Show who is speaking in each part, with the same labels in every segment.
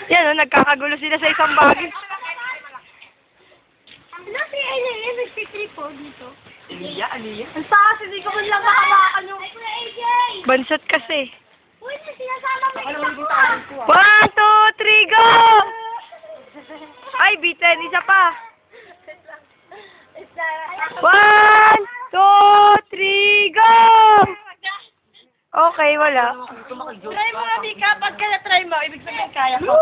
Speaker 1: Yan o, nagkakagulo sila sa isang bagay.
Speaker 2: Ano si Aliyah? Nagtitrip po dito.
Speaker 3: Aliyah?
Speaker 2: Ang taas, hindi ko man lang makabakan yung... Ay, Kuya AJ!
Speaker 1: Bansot kasi.
Speaker 2: Uy, may sinasama mo isang po.
Speaker 1: 1, 2, 3, go! Ay, bitin. Isa pa. 1, 2, 3, go! Okay, wala.
Speaker 2: Try mo nga, Mika. Pagka na-try mo, ibig sabihin kaya ko.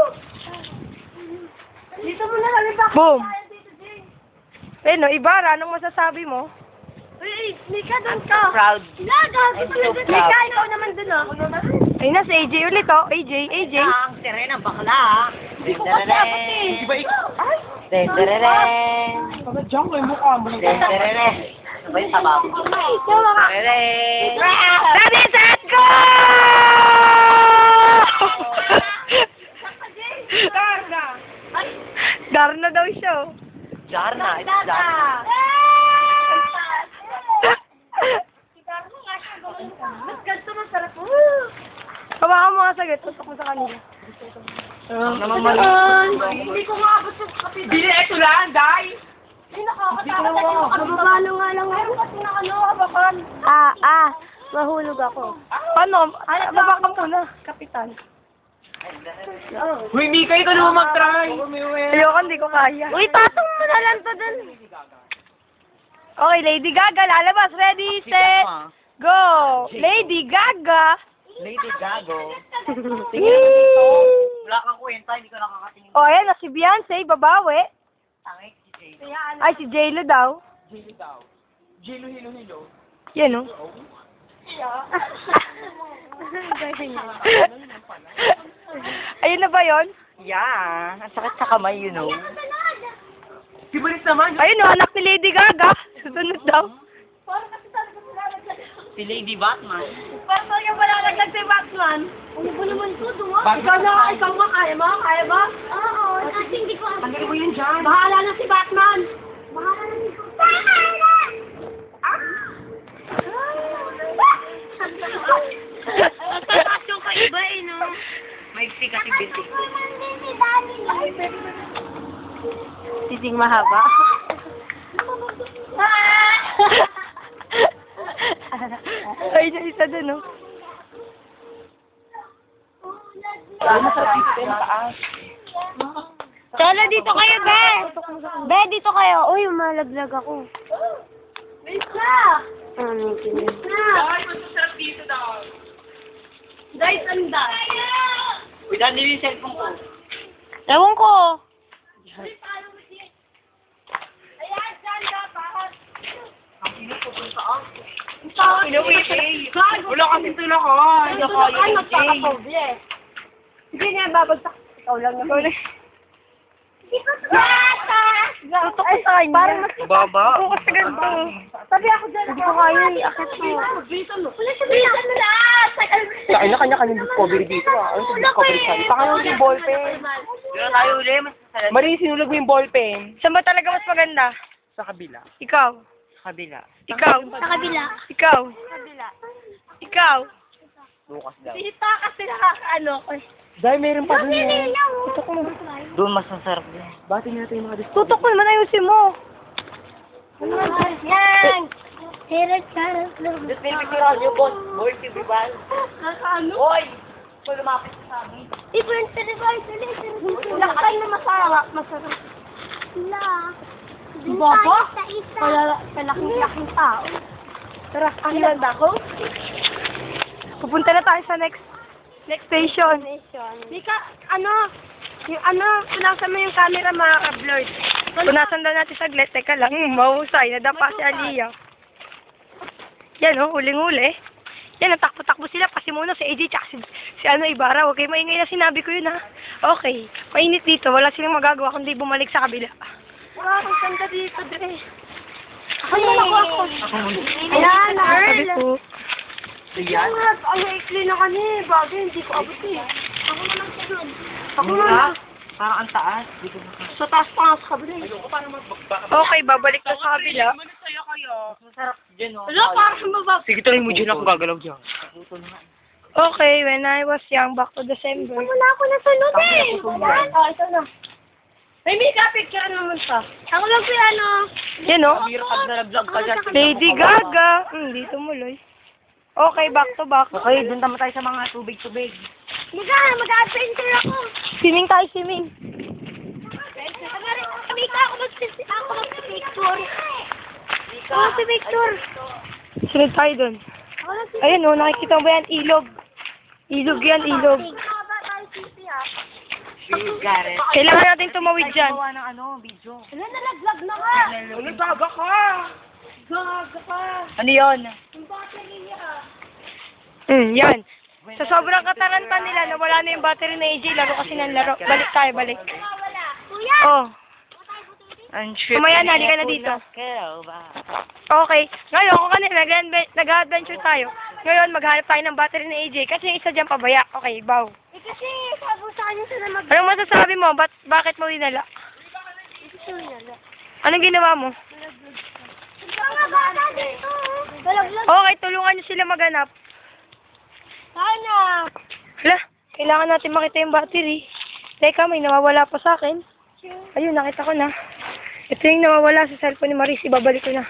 Speaker 2: Dito mo na kami ba?
Speaker 1: Boom. Eh, no, Ibarra, anong masasabi mo?
Speaker 2: Uy, Mika, doon ka.
Speaker 3: Proud.
Speaker 2: Laga, Mika, ikaw naman doon, oh.
Speaker 1: Ayun na, si AJ ulit, oh. AJ.
Speaker 3: Ang sirena, bakla.
Speaker 2: Hindi ko kasi ako, eh.
Speaker 3: Di ba ikaw? Ay! Tendereren.
Speaker 4: Diyan ko yung mukha mo.
Speaker 3: Tendereren. Ano ba yung sabaw? Tendereren.
Speaker 1: Ready, set, go! Darna daw siya, oh.
Speaker 3: Jarna. It's Jarna.
Speaker 2: Mas ganito masarap.
Speaker 1: Kawakan mo nga saglit, tutok mo sa kanila.
Speaker 2: Hindi ko maabot yung kapit.
Speaker 4: Bili, ito lang, dai!
Speaker 2: Ay, nakakatakot ako. Kababalo nga lang ngayon kasi na ano, abakan.
Speaker 1: Mahulog ako. Paano? Ay, baba ka muna, kapitan.
Speaker 4: Uy, Mika, ikaw naman mag-try!
Speaker 1: Ayoko, hindi ko kaya.
Speaker 2: Uy, patong mo na lang to dun.
Speaker 1: Okay, Lady Gaga, lalabas. Ready, set, go! Lady Gaga!
Speaker 3: Lady Gago. Tingin naman dito. Wala kang kwenta, hindi ko nakakatingin.
Speaker 1: O, ayan na, si Beyonce, babawi.
Speaker 3: Tangik si Jay.
Speaker 1: Ay, si J-Lo daw.
Speaker 4: Jilo daw. Jilo, hilo.
Speaker 1: Yan, oh. Ayun na ba yun?
Speaker 3: Yeah. Ang sakit sa kamay, you know.
Speaker 4: Sibalis naman.
Speaker 1: Ayun, oh, anak ni Lady Gaga. Susunod daw.
Speaker 3: Si Lady Batman.
Speaker 2: Parang talagang malalaglag si Batman. Ano ba naman ito, duwa?
Speaker 4: Batman.
Speaker 2: Ikaw nga, kaya ba? Oo, kasi hindi ko...
Speaker 4: Tanggalin mo yun dyan.
Speaker 2: Bahala na si Batman. Bahala na si Bahala! Tataas yung kaiba eh, no?
Speaker 3: Maiksi kasi binti.
Speaker 1: Sising mahaba. Ayun yung isa dun, oh.
Speaker 2: Tala, dito kayo, Be! Be, dito kayo. Uy, malaglag ako. Wait na! Wait na!
Speaker 4: Ay, masasarap dito daw.
Speaker 2: Guys, anda.
Speaker 3: Uy, dahil nila yung cellphone ko.
Speaker 1: Ewan ko.
Speaker 2: Ayan, sanda, bakit?
Speaker 3: Ang sino ko kung saan?
Speaker 4: Wala kasing tulakon.
Speaker 2: Ay, magkakapoble.
Speaker 1: Hindi niya babagsak. Ikaw lang naman. Tutok ko sa kanya.
Speaker 2: Parang mas...
Speaker 3: Baba.
Speaker 1: Oo, kasi ganito.
Speaker 2: Sabi ako dyan.
Speaker 1: Hindi ko kaya i-akit mo.
Speaker 2: Wala siya bisan na lahat.
Speaker 4: Sa kanya-kanya discovery dito ah. Ano yung discovery sa'yo? Baka naman yung ballpen.
Speaker 3: Pero tayo uli, mas masarap
Speaker 4: Marie, sinulag mo yung ballpen.
Speaker 1: Saan ba talaga mas maganda?
Speaker 4: Sa kabila.
Speaker 1: Ikaw.
Speaker 3: sa kabila.
Speaker 1: Ikaw.
Speaker 2: Sa kabila.
Speaker 1: Ikaw. Ikaw.
Speaker 3: Bukas daw.
Speaker 2: Sita kasi nakakaano ko.
Speaker 4: Dahil meron pa dun eh.
Speaker 1: Tutok mo.
Speaker 3: Doon mas masarap din.
Speaker 4: Bati natin yung mga discovery.
Speaker 1: Tutok mo naman, ayusin mo.
Speaker 2: Yan! Herod Carol.
Speaker 3: Just may picture niyo, boss. Boy, si Bibal.
Speaker 2: Ano?
Speaker 3: Hoy! Kung lumapit sa amin.
Speaker 2: Different device ulit. Lakay na masarap. Masarap. La.
Speaker 1: Baba?
Speaker 2: Sa isa.
Speaker 1: Kalaking tao. Tara, ahlan ako. Pupunta na tayo sa next station.
Speaker 2: Mika, punasan mo yung camera, mga ka-blurred.
Speaker 1: Punasan daw natin saglit. Teka lang, mahusay. Nadapa si Aliyah. Yan, oh, huling-huli. Yan, natakbo-takbo sila. Pasimuno si AJ tsaka si Ibarra. Huwag kayo maingay na sinabi ko yun, ha. Okay. Mainit dito. Wala silang magagawa kundi bumalik sa kabila.
Speaker 2: Wow, ang ganda dito, Dre.
Speaker 1: Ay,
Speaker 2: Ako. Ayan,
Speaker 1: sabi
Speaker 2: Earl.
Speaker 1: ko.
Speaker 3: Yan.
Speaker 2: Ang maikli na kani. Bagay, hindi ko abot eh. Ako naman sunod. Ako
Speaker 3: Mura?
Speaker 2: naman.
Speaker 3: Parang ang taas. Dito na ka.
Speaker 2: Sa taas pa nga sa kabila eh.
Speaker 1: Okay, babalik na sa kabila.
Speaker 3: Masarap dyan, oh.
Speaker 2: Wala, parang mababa.
Speaker 4: Sige, tuloy mo dyan ako gagalaw dyan.
Speaker 3: Putol nga.
Speaker 1: Okay, when I was young, back to December.
Speaker 2: Wala ako nasunod eh.
Speaker 1: Oh, ito na. May makeup picture naman siya.
Speaker 2: Ako lang po ano.
Speaker 1: Yan o.
Speaker 3: Biro pag nalaglag ka dyan.
Speaker 1: Lady Gaga. Hindi tumuloy. Okay, back to back.
Speaker 3: Okay, dun naman tayo sa mga tubig-tubig.
Speaker 2: Mag-adventure ako.
Speaker 1: Swimming tayo, swimming.
Speaker 2: Sabi ka ako mag-picture. Ako mag-picture.
Speaker 1: Sunod tayo dun. Ayun o, nakikita mo ba yan? Ilog. Ilog yan, ilog.
Speaker 3: Got it.
Speaker 1: Kailangan natin tumawid dyan.
Speaker 3: Gawa ng ano, video.
Speaker 2: Wala, nalaglag na ka.
Speaker 3: Gaga ka! Ano yun?
Speaker 1: Yan. Sa sobrang kataranta nila, nawala na yung battery na AJ, laro kasi ng laro. Balik tayo, balik.
Speaker 2: Kuya!
Speaker 1: Oh,
Speaker 3: Ang
Speaker 1: Mamaya na, halika na dito. Okay. Ngayon, kung kanina nag-adventure tayo, ngayon maghanap tayo ng battery na AJ kasi yung isa dyan pabaya. Okay, bow.
Speaker 2: Eh kasi, sabi sa kanya sila mag-
Speaker 1: Anong masasabi mo? Bakit mo dinala? Anong ginawa mo?
Speaker 2: Mga bata dito. Nalaglag.
Speaker 1: Okay, tulungan niyo sila maghanap.
Speaker 2: Sana.
Speaker 1: Hala, kailangan natin makita yung battery. Teka, may nawawala pa sa akin. Ayun, nakita ko na. Ito yung nawawala sa cellphone ni Maris. Ibabalik ko na.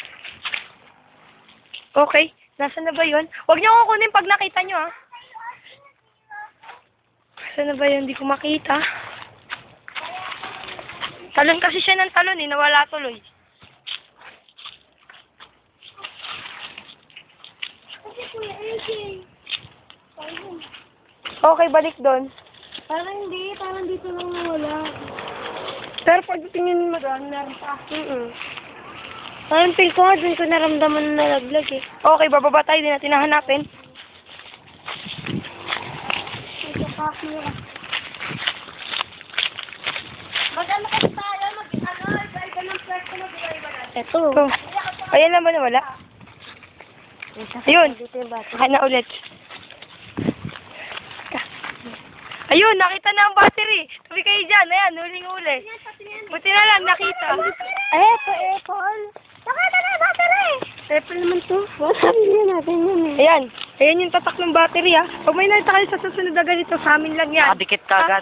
Speaker 1: Okay, nasa na ba yun? Huwag niyo kukunin pag nakita niyo, ha? Nasa na ba yun? Hindi ko makita. Talon kasi siya ng talon, eh. Nawala tuloy.
Speaker 2: Kasi Kuya AJ.
Speaker 1: Okay, balik doon.
Speaker 2: Parang hindi, parang dito lang nawala.
Speaker 1: Pero pag tingin mo doon, meron pa.
Speaker 2: Parang feel ko nga dun ko naramdaman na nalaglag eh.
Speaker 1: Okay, bababa tayo. Di natin nahanapin.
Speaker 2: Ito pa, Kuya. Mag-ano kasi tayo, iba-iba ng pwesto na iba-iba na. Ito.
Speaker 1: Ito. Ayan naman nawala. Ayun.
Speaker 2: Dito yung bata.
Speaker 1: Saka na ulit. Ayun, nakita na ang battery. Tabi kayo dyan. Ayan, huling-huli. Buti na lang, nakita.
Speaker 2: Eto, Apple. Nakita na yung battery.
Speaker 1: Apple naman to.
Speaker 2: Sabi natin yun eh.
Speaker 1: Ayan. Ayan yung tatak ng battery, ha. Pag may nakita kayo sa susunod na ganito, sa amin lang yan.
Speaker 3: Nakadikit ka agad.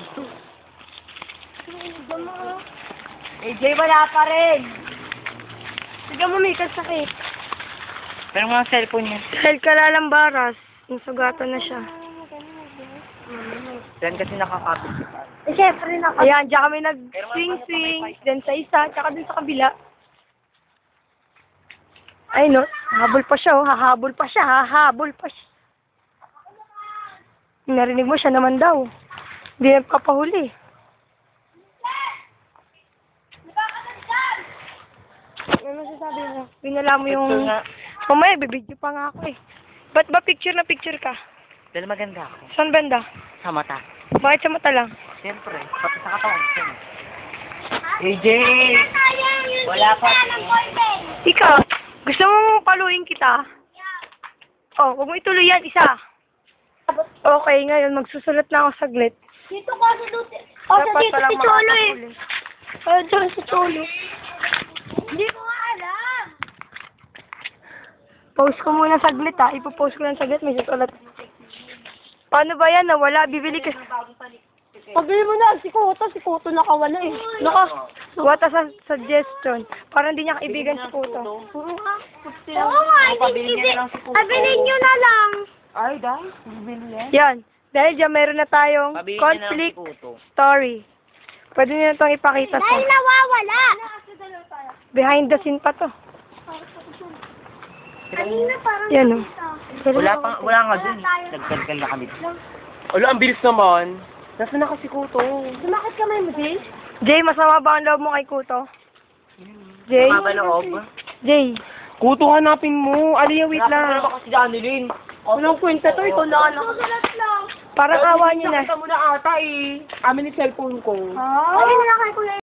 Speaker 1: AJ, wala pa rin. Sige mo, may kasakit.
Speaker 3: Pero mga cellphone niya.
Speaker 1: Dahil kalalambaras, nasugatan na siya.
Speaker 3: Yan kasi nakakapit siya.
Speaker 2: Eh, syempre na.
Speaker 1: Ayan, diyan kami nag-swing-swing. Then sa isa, tsaka dun sa kabila. Ay, no. Hahabol pa siya, oh. Hahabol pa siya. Hahabol pa siya. Narinig mo siya naman daw. Hindi na kapahuli. Ano sasabi mo? Binala mo yung...
Speaker 3: Picture nga.
Speaker 1: Mamaya, bibidyo pa nga ako eh. Ba't ba picture na picture ka?
Speaker 3: Dahil maganda ako.
Speaker 1: Saan banda?
Speaker 3: Sa mata.
Speaker 1: Bakit sa mata lang?
Speaker 3: Siyempre, pati sa katawan. AJ! Wala pa.
Speaker 1: Ikaw, gusto mo paluin kita? Oh, huwag mo ituloy yan, isa. Okay, ngayon, magsusulat na ako saglit.
Speaker 2: Dito ko sa dito. Oh, sa
Speaker 1: Dapat
Speaker 2: dito
Speaker 1: palang
Speaker 2: si Cholo eh.
Speaker 1: makakahuli. Oh, dyan si Cholo.
Speaker 2: Hindi ko nga alam.
Speaker 1: Post ko muna saglit, ha. Ipopost ko lang saglit, may susulat. Paano ba yan? Nawala, bibili ka. Pabili mo na, si Kuto nakawala eh. What a suggestion. Parang hindi niya kaibigan si Kuto.
Speaker 2: Oo nga,
Speaker 3: Pabili niya na lang si Kuto.
Speaker 2: Pabilin nyo na lang.
Speaker 3: Ay, dahil. Bibili yan.
Speaker 1: Yan. Dahil dyan, meron na tayong
Speaker 3: Pabili niya na lang si
Speaker 1: conflict
Speaker 3: Kuto.
Speaker 1: story. Pwede nyo na itong ipakita
Speaker 2: Dahil
Speaker 1: sa
Speaker 2: nawawala.
Speaker 1: behind the scene pa to.
Speaker 2: Kanina parang
Speaker 1: Yan o.
Speaker 3: Wala nga dun. Nagkalkal na kami.
Speaker 4: Ala, ang bilis naman. Nasaan na kasi Kuto?
Speaker 2: Sumakit kamay mo, Jay?
Speaker 1: Jay, masama ba ang loob mo kay Kuto? Jay?
Speaker 3: Mabaloob.
Speaker 1: Jay?
Speaker 4: Kuto, hanapin mo. Aliya, wait lang.
Speaker 3: Wala kasi Janilyn.
Speaker 1: Walang kwenta to. Ito na anak.
Speaker 2: Susulat lang.
Speaker 1: Parang awa niyo na.
Speaker 4: Nakita mo na ata eh. Amin yung cellphone ko.
Speaker 2: Ayun na kay Kuya